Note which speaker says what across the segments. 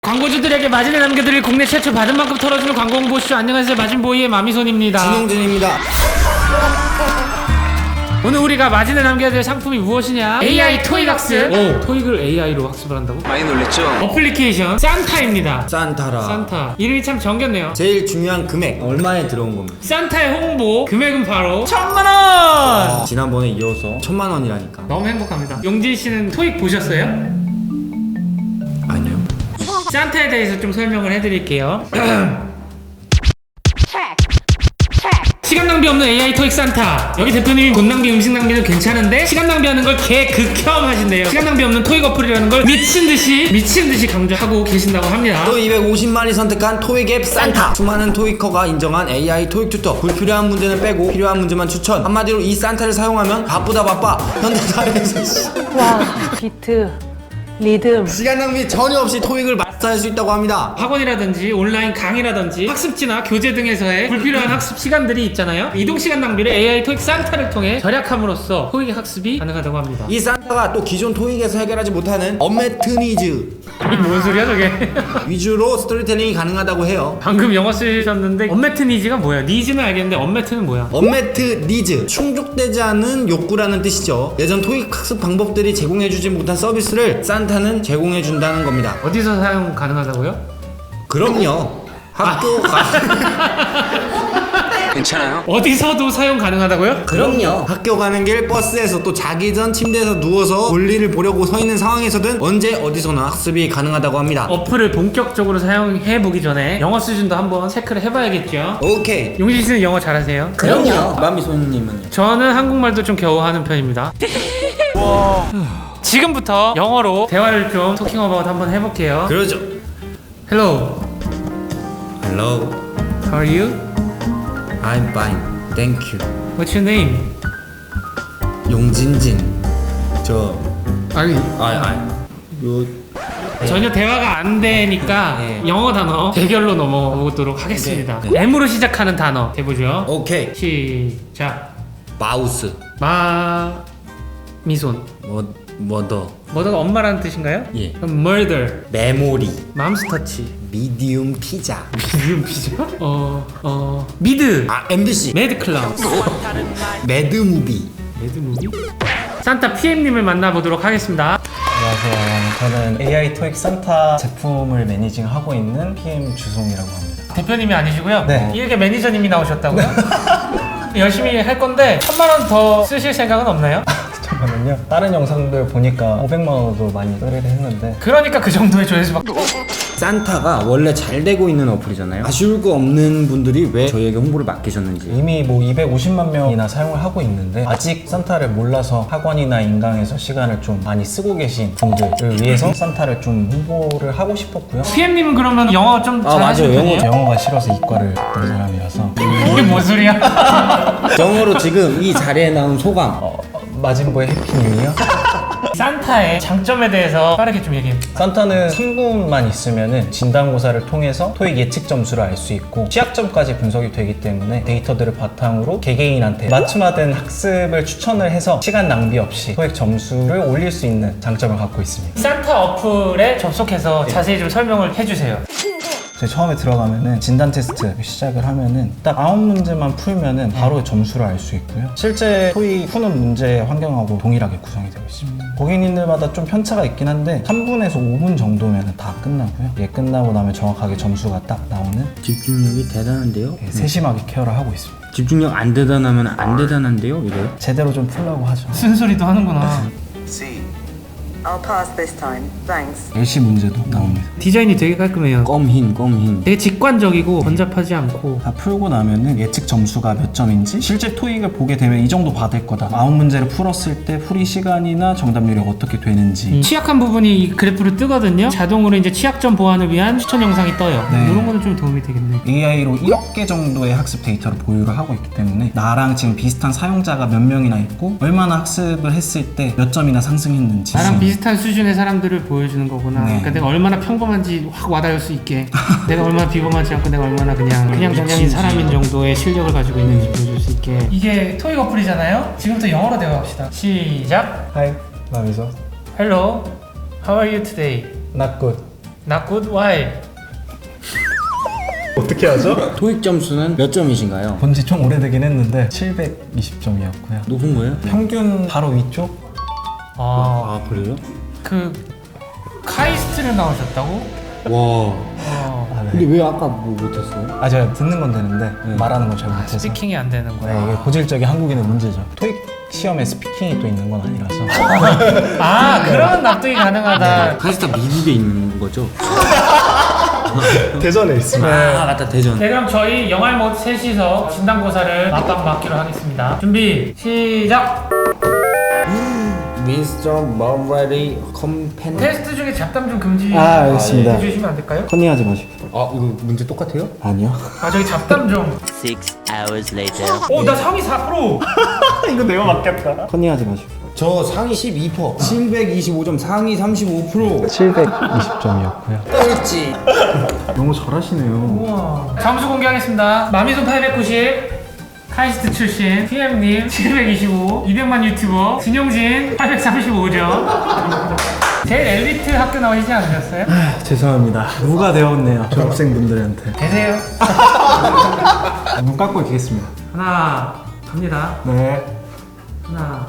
Speaker 1: 광고주들에게 마진을 남겨드릴 국내 최초 받은 만큼 털어주는 광고 홍보쇼. 안녕하세요, 마진보이의 마미손입니다.
Speaker 2: 진영준입니다.
Speaker 1: 오늘 우리가 마진을 남겨야 될 상품이 무엇이냐? AI 토익 학습. 토익을 AI로 학습을 한다고?
Speaker 2: 많이 놀랬죠?
Speaker 1: 어플리케이션 산타입니다.
Speaker 2: 산타라.
Speaker 1: 산타 이름이 참 정겹네요.
Speaker 2: 제일 중요한 금액 얼마에 들어온 겁니다.
Speaker 1: 산타의 홍보 금액은 바로 1000만원.
Speaker 2: 지난번에 이어서 1000만원이라니까.
Speaker 1: 너무 행복합니다. 용진 씨는 토익 보셨어요?
Speaker 2: 아니요.
Speaker 1: 산타에 대해서 좀 설명을 해드릴게요. 시간 낭비 없는 AI 토익 산타. 여기 대표님이 돈 낭비, 음식 낭비는 괜찮은데 시간 낭비하는 걸 개극혐 하신대요. 시간 낭비 없는 토익 어플이라는 걸 미친듯이 강조하고 계신다고 합니다.
Speaker 2: 또 250만이 선택한 토익 앱 산타. 수많은 토익커가 인정한 AI 토익 튜터. 불필요한 문제는 빼고 필요한 문제만 추천. 한마디로 이 산타를 사용하면 바쁘다 바빠. 현대사회에서
Speaker 3: 와, 비트, 리듬.
Speaker 2: 시간 낭비 전혀 없이 토익을 마스터할 수 있다고 합니다.
Speaker 1: 학원이라든지 온라인 강의라든지 학습지나 교재 등에서의 불필요한 학습 시간들이 있잖아요. 이동 시간 낭비를 AI 토익 산타를 통해 절약함으로써 토익 학습이 가능하다고 합니다.
Speaker 2: 이 산타가 또 기존 토익에서 해결하지 못하는 언메트 니즈
Speaker 1: 이게 뭔 소리야 저게?
Speaker 2: 위주로 스토리텔링이 가능하다고 해요.
Speaker 1: 방금 영어 쓰셨는데 언매트 니즈가 뭐야? 니즈는 알겠는데 언매트는 뭐야?
Speaker 2: 언메트 니즈, 충족되지 않은 욕구라는 뜻이죠. 예전 토익 학습 방법들이 제공해주지 못한 서비스를 산타는 제공해준다는 겁니다.
Speaker 1: 어디서 사용 가능하다고요?
Speaker 2: 그럼요. 학교
Speaker 4: 괜찮아요?
Speaker 1: 어디서도 사용 가능하다고요?
Speaker 2: 그럼요. 학교 가는 길, 버스에서 또 자기 전 침대에서 누워서 볼일을 보려고 서 있는 상황에서든 언제 어디서나 학습이 가능하다고 합니다.
Speaker 1: 어플을 본격적으로 사용해보기 전에 영어 수준도 한번 체크를 해봐야겠죠.
Speaker 2: 오케이.
Speaker 1: 용진 씨는 영어 잘하세요?
Speaker 2: 그럼요. 마미손님은요?
Speaker 1: 저는 한국말도 좀 겨우 하는 편입니다. 지금부터 영어로 대화를 좀 토킹 어바웃 한번 해볼게요.
Speaker 2: 그러죠.
Speaker 1: Hello,
Speaker 2: Hello,
Speaker 1: how are you?
Speaker 2: I'm fine, thank you.
Speaker 1: What's your name?
Speaker 2: 용진진. 저
Speaker 1: 아니,
Speaker 2: 요
Speaker 1: 전혀 대화가 안 되니까
Speaker 2: 네.
Speaker 1: 영어 단어 대결로 넘어보도록 하겠습니다.
Speaker 2: 네.
Speaker 1: M으로 시작하는 단어 해보죠.
Speaker 2: 오케이.
Speaker 1: 시작.
Speaker 2: 마우스.
Speaker 1: 미손.
Speaker 2: 머더.
Speaker 1: 뭐더가 엄마라는 뜻인가요?
Speaker 2: 예.
Speaker 1: 그럼 murder.
Speaker 2: 메모리.
Speaker 1: 맘스터치.
Speaker 2: 미디움 피자.
Speaker 1: 미디움 피자? 미드.
Speaker 2: MBC.
Speaker 1: 매드 클라운.
Speaker 2: 매드무비.
Speaker 1: 매드 무비? 산타 PM님을 만나보도록 하겠습니다.
Speaker 5: 안녕하세요. 저는 AI 토익 산타 제품을 매니징하고 있는 PM 주송이라고 합니다.
Speaker 1: 대표님이 아니시고요.
Speaker 5: 네.
Speaker 1: 이 일개 매니저님이 나오셨다고요? 열심히 할 건데 1000만원 더 쓰실 생각은 없나요?
Speaker 5: 잠깐만요. 다른 영상들 보니까 500만 원도 많이 떨이를 했는데
Speaker 1: 그러니까 그 정도의 조회수밖에.
Speaker 2: 산타가 원래 잘 되고 있는 어플이잖아요. 아쉬울 거 없는 분들이 왜 저희에게 홍보를 맡기셨는지.
Speaker 5: 이미 뭐 250만 명이나 사용을 하고 있는데 아직 산타를 몰라서 학원이나 인강에서 시간을 좀 많이 쓰고 계신 분들을 위해서 산타를 좀 홍보를 하고 싶었고요.
Speaker 1: PM님은 그러면 영어 좀 잘하시는
Speaker 2: 맞아요.
Speaker 1: 편이에요?
Speaker 5: 영어가 싫어서 이과를 했던 사람이라서
Speaker 1: 이게 뭔 소리야?
Speaker 2: 영어로 지금 이 자리에 나온 소감.
Speaker 5: 마진보의 해피뉴이요?
Speaker 1: 산타의 장점에 대해서 빠르게 좀 얘기해.
Speaker 5: 산타는 3분만 있으면은 진단고사를 통해서 토익 예측 점수를 알 수 있고 취약점까지 분석이 되기 때문에 데이터들을 바탕으로 개개인한테 맞춤화된 학습을 추천을 해서 시간 낭비 없이 토익 점수를 올릴 수 있는 장점을 갖고 있습니다.
Speaker 1: 산타 어플에 접속해서 자세히 좀 설명을 해주세요.
Speaker 5: 저희 처음에 들어가면은 진단 테스트 시작을 하면은 딱 9문제만 풀면은 바로 점수를 알 수 있고요. 실제 토익 푸는 문제 환경하고 동일하게 구성이 되어 있습니다. 고객님들마다 좀 편차가 있긴 한데 3분에서 5분 정도면 다 끝나고요. 이게 끝나고 나면 정확하게 점수가 딱 나오는
Speaker 2: 집중력이 대단한데요?
Speaker 5: 세심하게 케어를 하고 있습니다.
Speaker 2: 집중력 안 대단하면 안 대단한데요? 이래요?
Speaker 5: 제대로 좀 풀라고 하죠.
Speaker 1: 쓴소리도 하는구나.
Speaker 6: I'll pass this time. Thanks.
Speaker 5: LC 문제도 나옵니다.
Speaker 1: 디자인이 되게 깔끔해요.
Speaker 2: 껌흰.
Speaker 1: 되게 직관적이고 번잡하지 않고.
Speaker 5: 다 풀고 나면은 예측 점수가 몇 점인지 실제 토익을 보게 되면 이 정도 받을 거다. 9문제를 풀었을 때 풀이 시간이나 정답률이 어떻게 되는지
Speaker 1: 취약한 부분이 이 그래프로 뜨거든요. 자동으로 이제 취약점 보완을 위한 추천 영상이 떠요.
Speaker 5: 네.
Speaker 1: 이런 거는 좀 도움이 되겠네.
Speaker 5: AI로 1억 개 정도의 학습 데이터를 보유를 하고 있기 때문에 나랑 지금 비슷한 사용자가 몇 명이나 있고 얼마나 학습을 했을 때 몇 점이나 상승했는지
Speaker 1: 나랑 비슷한 수준의 사람들을 보여주는 거구나.
Speaker 5: 네.
Speaker 1: 그러니까 내가 얼마나 평범한지 확 와닿을 수 있게. 내가 얼마나 비범하지 않고 내가 얼마나 그냥 저냥인 사람인 정도의 실력을 가지고 있는지 보여줄 수 있게. 이게 토익 어플이잖아요. 지금부터 영어로 대화합시다. 시작.
Speaker 5: Hi, 마미소.
Speaker 1: Hello, how are you today?
Speaker 5: Not good.
Speaker 1: Not good? Why?
Speaker 5: 어떻게 하죠?
Speaker 2: 토익 점수는 몇 점이신가요?
Speaker 5: 본지 좀 오래되긴 했는데 720점이었고요.
Speaker 2: 높은 거예요?
Speaker 5: 평균 바로 위쪽?
Speaker 1: 아,
Speaker 2: 그래요?
Speaker 1: 그 카이스트를 나오셨다고?
Speaker 2: 와.
Speaker 5: 아, 네.
Speaker 2: 근데 왜 아까 뭐 못했어요?
Speaker 5: 아, 제가 듣는 건 되는데 말하는 건 잘 못해서.
Speaker 1: 스피킹이 안 되는 거야.
Speaker 5: 네, 이게 고질적인 한국인의 문제죠. 토익 시험에 스피킹이 또 있는 건 아니라서.
Speaker 1: 아, 그런 납득이 가능하다.
Speaker 2: 카이스트 미국에 있는 거죠?
Speaker 5: 대전에 있습니다.
Speaker 2: 아 맞다 대전.
Speaker 1: 네, 그럼 저희 영알못 셋이서 진단고사를 맞방 맞기로 하겠습니다. 준비, 시작!
Speaker 2: 미스터 머레리 컴펜.
Speaker 1: 테스트 중에 잡담 좀 금지
Speaker 5: 알겠습니다.
Speaker 1: 해주시면 안 될까요?
Speaker 5: 컨닝하지 마십시오.
Speaker 2: 아 이거 문제 똑같아요?
Speaker 5: 아니요.
Speaker 1: 아, 저기 잡담 좀.
Speaker 4: 6 hours later.
Speaker 1: 오, 나 상위 4%!
Speaker 5: 이거 내가 맞겠다. 컨닝하지 마십시오.
Speaker 2: 저 상위 12%, 725점, 상위 35%.
Speaker 5: 720점이었고요.
Speaker 2: 꼴찌.
Speaker 5: 너무 잘하시네요.
Speaker 1: 우와. 점수 공개하겠습니다. 마미손 890, 카이스트 출신, PM님 725, 200만 유튜버, 진용진 835점. 제일 엘리트 학교 나오시지 않으셨어요?
Speaker 5: 죄송합니다. 누가 되었네요. 졸업생분들한테.
Speaker 1: 되세요.
Speaker 5: 눈 감고 있겠습니다.
Speaker 1: 하나, 갑니다.
Speaker 5: 네.
Speaker 1: 하나.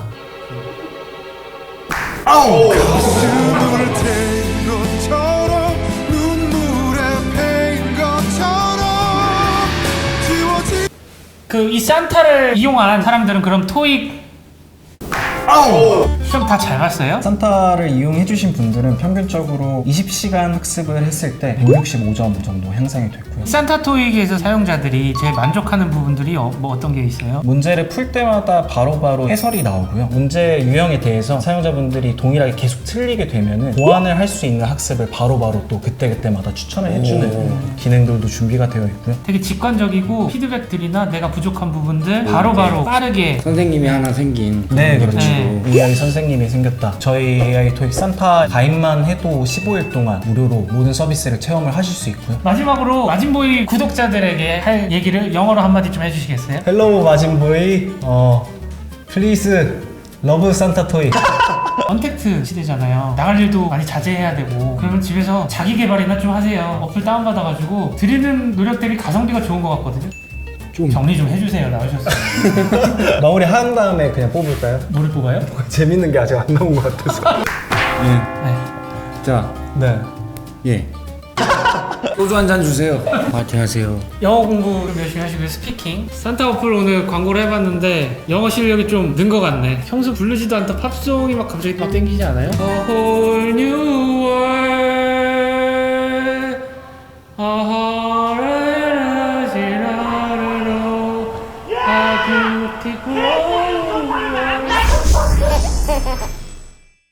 Speaker 7: 눈물을 댄 것처럼 눈물에 패인 것처럼 지워진
Speaker 1: 그 이 산타를 이용한 사람들은 그럼 토익 시험 다 잘 봤어요?
Speaker 5: 산타를 이용해주신 분들은 평균적으로 20시간 학습을 했을 때 165점 정도 향상이 됐고요.
Speaker 1: 산타 토익에서 사용자들이 제일 만족하는 부분들이 뭐 어떤 게 있어요?
Speaker 5: 문제를 풀 때마다 바로바로 해설이 나오고요. 문제 유형에 대해서 사용자분들이 동일하게 계속 틀리게 되면은 보완을 할 수 있는 학습을 바로바로 또 그때그때마다 추천을 해주는 기능들도 준비가 되어 있고요.
Speaker 1: 되게 직관적이고 피드백들이나 내가 부족한 부분들 바로바로 빠르게
Speaker 2: 선생님이 하나 생긴.
Speaker 5: 네, 그렇죠.
Speaker 1: 네.
Speaker 5: AI 선생님이 생겼다. 저희 AI 토익 산타 가입만 해도 15일 동안 무료로 모든 서비스를 체험을 하실 수 있고요.
Speaker 1: 마지막으로 마진보이 구독자들에게 할 얘기를 영어로 한마디 좀 해주시겠어요?
Speaker 5: 헬로우 마진보이, 플리즈 러브 산타 토익.
Speaker 1: 언택트 시대잖아요. 나갈 일도 많이 자제해야 되고 그러면 집에서 자기 개발이나 좀 하세요. 어플 다운받아가지고 드리는 노력 대비 가성비가 좋은 것 같거든요. 좀 정리 좀 해주세요. 나오셨어요.
Speaker 5: 마무리 한 다음에 그냥 뽑을까요?
Speaker 1: 뭐를 뽑아요?
Speaker 5: 재밌는 게 아직 안 나온 것 같아서.
Speaker 1: 네.
Speaker 2: 자,
Speaker 5: 네.
Speaker 2: 예. 소주 한 잔 주세요. 파이팅 하세요.
Speaker 1: 영어 공부 좀 열심히 하시고요. 스피킹. 산타 어플 오늘 광고를 해봤는데 영어 실력이 좀 는 것 같네. 평소 부르지도 않던 팝송이 막 갑자기 막 땡기지 않아요? A whole new world, a whole new world, a beautiful